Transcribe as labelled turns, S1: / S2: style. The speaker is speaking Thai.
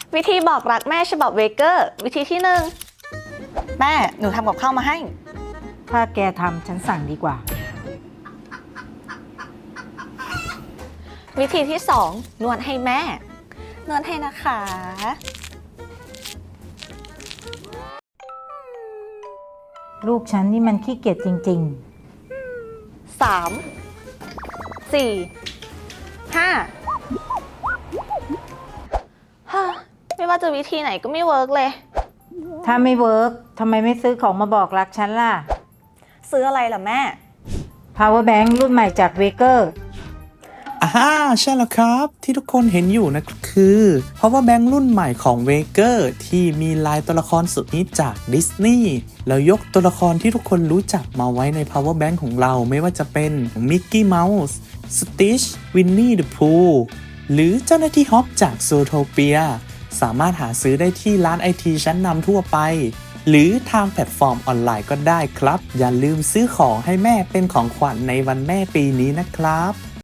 S1: วิธีบอกรักแม่ฉบับเวเกอร์ วิธีที่หนึ่งแม่หนูทำกับข้าวมาให้
S2: ถ้าแกทำฉันสั่งดีกว่า
S1: วิธีที่สองนวดให้แม่นวดให้นะคะ
S2: ลูกฉันนี่มันขี้เกียจจริง
S1: 3 4 5ฮ่าไม่ว่าจะวิธีไหนก็ไม่เวิร์กเลย
S2: ๆ ถ้าไม่เวิร์กทำไมไม่ซื้อของมาบอกรักฉันล่ะ
S1: ซื้ออะไรล่ะแม่
S2: power bank รุ่นใหม่จากเวเกอร์
S3: ใช่แล้วครับที่ทุกคนเห็นอยู่นะคือ Power Bank รุ่นใหม่ของ Waker ที่มีลายตัวละครสุดฮิตจากดิสนีย์แล้วยกตัวละครที่ทุกคนรู้จักมาไว้ใน Power Bank ของเราไม่ว่าจะเป็นมิกกี้เมาส์ Stitch Winnie the Pooh หรือเจ้าหน้าที่ฮอปจาก Zootopia สามารถหาซื้อได้ที่ร้านไอทีชั้นนำทั่วไปหรือทางแพลตฟอร์มออนไลน์ก็ได้ครับอย่าลืมซื้อของให้แม่เป็นของขวัญในวันแม่ปีนี้นะครับ